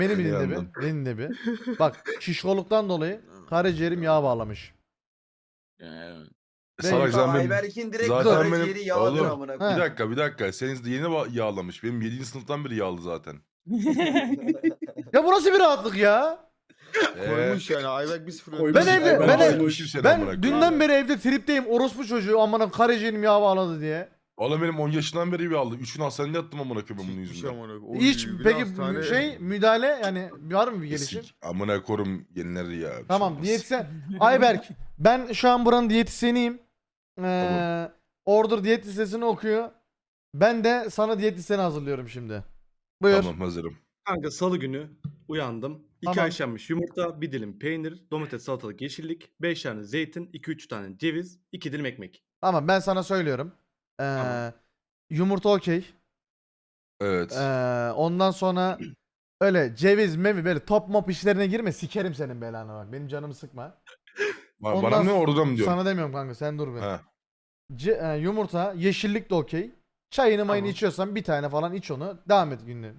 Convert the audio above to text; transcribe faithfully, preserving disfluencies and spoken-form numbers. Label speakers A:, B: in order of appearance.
A: Beni bir
B: Beni
A: dinle bir.
B: yandın.
A: Beni dinle bir. Bak şişkoluktan dolayı karaciğerim yağ bağlamış.
C: Yani.
B: Salak
D: Tamam,
B: sen benim...
D: Ayberk'in direkt
B: Zaten
D: karaciğeri
B: benim...
D: yağdır
B: Oğlum
D: amına
A: He.
B: bir
D: koyayım.
B: dakika bir dakika. Senin de yeni ba- yağlamış. Benim yedinci sınıftan beri yağlı zaten.
A: Ya bu nasıl bir rahatlık ya?
B: Eee...
E: Koymuş yani Ayberk bir sıfır
F: Koymuş.
A: Ben
E: önde.
A: evde
F: Ben
A: ben, ev-
F: koymuş.
B: Seni
A: ben
B: amına koyayım.
A: dünden beri evde tripteyim. Orospu çocuğu amına karaciğerim yağ bağladı diye.
B: Oğlum benim on yaşından beri yağlı. üç gün hastanede yattım amına koyayım bunun
E: Hiçbir şey
B: yüzünden.
E: amına koyayım.
A: Hiç
E: Oy, bir
A: peki
E: hastane-
A: şey müdahale yani var mı bir gelişim?
B: Sik. Amına korum yeniler ya. bir şey
A: Tamam
B: olmaz.
A: diyetisyen. Ayberk ben şu an buranın diyetisyeniyim. Ee, Order diyet listesini okuyor. Ben de sana diyet listeni hazırlıyorum şimdi. Buyur.
B: Tamam hazırım.
F: Kanka salı günü uyandım. iki
A: Tamam.
F: haşlanmış yumurta, bir dilim peynir, domates, salatalık, yeşillik, beş tane zeytin, iki üç tane ceviz, iki dilim ekmek.
A: Tamam ben sana söylüyorum. Ee,
F: Tamam.
A: Yumurta okey.
B: Evet.
A: Ee, ondan sonra öyle ceviz mevi böyle top mop işlerine girme sikerim senin belanı bak. Benim canımı sıkma.
B: Ba-
A: ondan
B: Bana ne
A: sonra-
B: orada mı diyorsun?
A: Sana demiyorum kanka sen dur bir.
B: Ha.
A: Ce- e, yumurta, yeşillik de okey. Çayını mayını
F: Tamam.
A: içiyorsan bir tane falan iç onu. Devam et günlüğü.